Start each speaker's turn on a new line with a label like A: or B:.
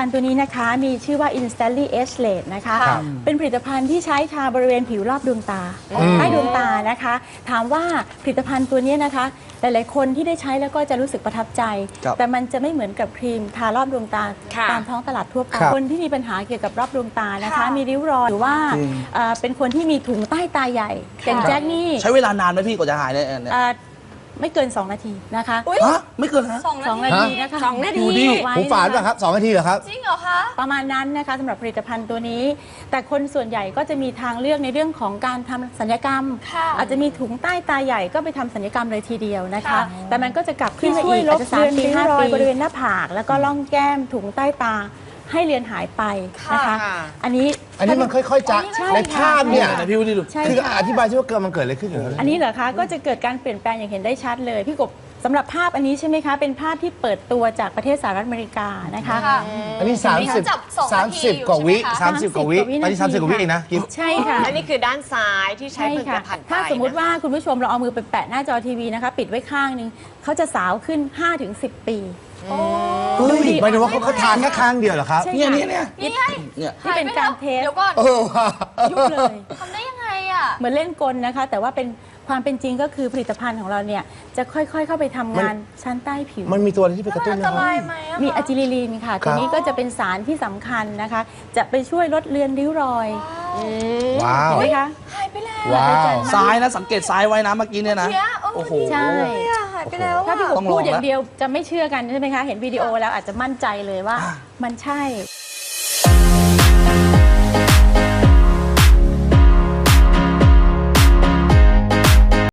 A: ณฑ์ตัวนี้นะคะมีชื่อว่า Instantly Age-less นะคะเป็นผลิตภัณฑ์ที่ใช้ทาบริเวณผิวรอบดวงตาใต้ดวงตานะคะถามว่าผลิตภัณฑ์ตัวนี้นะคะหลายๆคนที่ได้ใช้แล้วก็จะรู้สึกประทับใจแต่มันจะไม่เหมือนกับครีมทารอบดวงตาตามท้องตลาดทั่วไปคนที่มีปัญหาเกี่ยวกับรอบดวงตานะคะมีริ้วรอยหรือว่าเป็นคนที่มีถุงใต้ตาใหญ่อย่างแจ็คนี่
B: ใช้เวลานานไหมพี่กว่าจะหายเนี่ย
A: ไม่เกิน2 นาทีนะคะ
B: ไม่เกินฮะ
A: 2 นาทีนะคะ
C: 2 นาที
D: หูฝาดป่ะครับ2 นาทีเหรอครับ
C: จริงเหรอคะ
A: ประมาณนั้นนะคะสำหรับผลิตภัณฑ์ตัวนี้แต่คนส่วนใหญ่ก็จะมีทางเลือกในเรื่องของการทำศัลยกรรมอาจจะมีถุงใต้ตาใหญ่ก็ไปทำศัลยกรรมเลยทีเดียวนะคะแต่มันก็จะกลับขึ้นมาอีกอาจจะ3 ปี 5 ปีบริเวณหน้าผากแล้วก็ร่องแก้มถุงใต้ตาให้เลือนหายไปนะคะอันนี้
D: มันค่อยๆจะในภาพเนี่ย
B: พี่วิลลี่ดู
D: คืออธิบายใช่ว่ามันเกิดอะไรขึ้นอยู่
A: อันนี้เหรอคะก็จะเกิดการเปลี่ยนแปลงอย่างเห็นได้ชัดเลยพี่กบสำหรับภาพอันนี้ใช่ไหมคะเป็นภาพที่เปิดตัวจากประเทศสหรัฐอเมริกานะคะ
D: อันนี้30 กว่าวิ30 กว่าวิอันนี้30 กว่าวิเองนะกิ๊บ
A: ใช่ค่ะ
C: และนี่คือด้านซ้ายที่ใช้ผลิตภัณฑ์
A: ถ้าสมมุติว่าคุณผู้ชมเราเอามือไปแปะหน้าจอทีวีนะคะปิดไว้ข้างนึงเขาจะสาวขึ้น 5-10 ปี
D: หมายถึงว่าเขาทานแค่ครั้งเดียวเหรอครับ
B: เนี่ย
A: นี่เป็นการเทส
C: เดี๋ยวก่อน
A: ยุบเลย
C: ทำได้ยังไงอ่ะ
A: เหมือนเล่นกลนะคะแต่ว่าเป็นความเป็นจริงก็คือผลิตภัณฑ์ของเราเนี่ยจะค่อยๆเข้าไปทำงานชั้นใต้ผิว
D: มันมีตัวอะไรที่ไปกระตุ้น
C: ไหม
A: มีอะจิลิลีนค่ะตัวนี้ก็จะเป็นสารที่สำคัญนะคะจะไปช่วยลดเลือนริ้วรอย
D: ว้าว
A: เห็นไหมคะ
C: หายไปแล้ว
B: ซ้ายนะสังเกตซ้ายไว้นะเมื่อกี้เนี่ยนะ
C: โอ้โห
A: ใช่
C: หายไปแล้ว
A: ถ้าพี่กบพูดอย่างเดียวจะไม่เชื่อกันใช่ไหมคะเห็นวิดีโอแล้วอาจจะมั่นใจเลยว่ามันใช่